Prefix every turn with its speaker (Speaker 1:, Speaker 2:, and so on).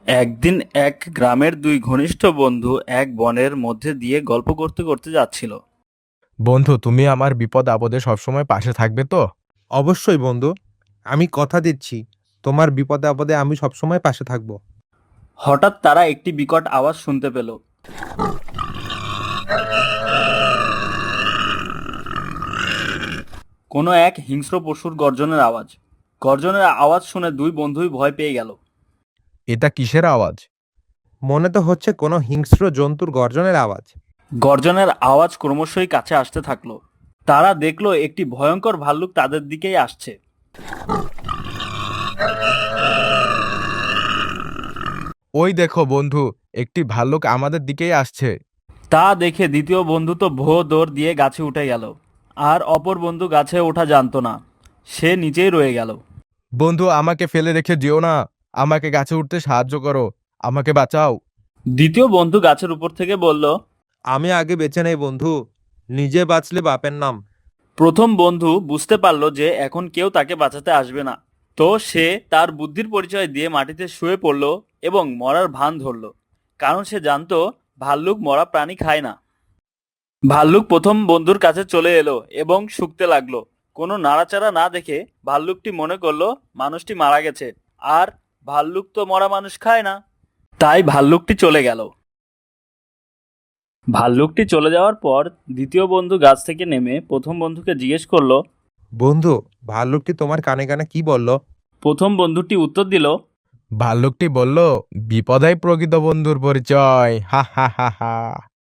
Speaker 1: একদিন এক গ্রামের দুই ঘনিষ্ঠ বন্ধু এক বনের মধ্যে দিয়ে গল্প করতে করতে যাচ্ছিল।
Speaker 2: বন্ধু, তুমি আমার বিপদ আপদে সবসময় পাশে থাকবে তো?
Speaker 3: অবশ্যই বন্ধু, আমি কথা দিচ্ছি তোমার বিপদে আপদে আমি সবসময় পাশে থাকব।
Speaker 1: হঠাৎ তারা একটি বিকট আওয়াজ শুনতে পেল। কোনো এক হিংস্র পশুর গর্জনের আওয়াজ। গর্জনের আওয়াজ শুনে দুই বন্ধুই ভয় পেয়ে গেল।
Speaker 2: এটা কিসের আওয়াজ?
Speaker 3: মনে তো হচ্ছে কোনো হিংস্র জন্তুর গর্জনের আওয়াজ।
Speaker 1: গর্জনের আওয়াজ ক্রমশই কাছে আসতে থাকলো। তারা দেখলো একটি ভয়ঙ্কর ভাল্লুক তাদের দিকেই আসছে।
Speaker 2: ওই দেখো বন্ধু, একটি ভাল্লুক আমাদের দিকেই আসছে।
Speaker 1: তা দেখে দ্বিতীয় বন্ধু তো ভো দৌড় দিয়ে গাছে উঠে গেল। আর অপর বন্ধু গাছে ওঠা জানতো না, সে নিচেই রয়ে গেল।
Speaker 2: বন্ধু, আমাকে ফেলে রেখে যেও না, আমাকে গাছে উঠতে সাহায্য করো, আমাকে বাঁচাও।
Speaker 1: দ্বিতীয় বন্ধু গাছের উপর থেকে বলল।
Speaker 3: আমি আগে বেঁচে নেই বন্ধু, নিজে বাঁচলে বাপের নাম।
Speaker 1: প্রথম বন্ধু বুঝতে পারলো যে এখন কেউ তাকে বাঁচাতে আসবে না। তো সে তার বুদ্ধির পরিচয় দিয়ে মাটিতে শুয়ে পড়ল এবং মরার ভান ধরল, কারণ সে জানতো ভাল্লুক মরা প্রাণী খায় না। ভাল্লুক প্রথম বন্ধুর কাছে চলে এলো এবং শুকতে লাগলো। কোনো নাড়াচাড়া না দেখে ভাল্লুকটি মনে করলো মানুষটি মারা গেছে, আর ভাল্লুক তো মরা মানুষ খায় না। তাই ভাল্লুকটি চলে গেল। ভাল্লুকটি চলে যাওয়ার পর দ্বিতীয় বন্ধু গাছ থেকে নেমে প্রথম বন্ধুকে জিজ্ঞেস করলো।
Speaker 3: বন্ধু, ভাল্লুকটি তোমার কানে কানে কি বলল?
Speaker 1: প্রথম বন্ধুটি উত্তর দিল।
Speaker 2: ভাল্লুকটি বলল, বিপদাই প্রকৃত বন্ধুর পরিচয়, হা হা হা হা।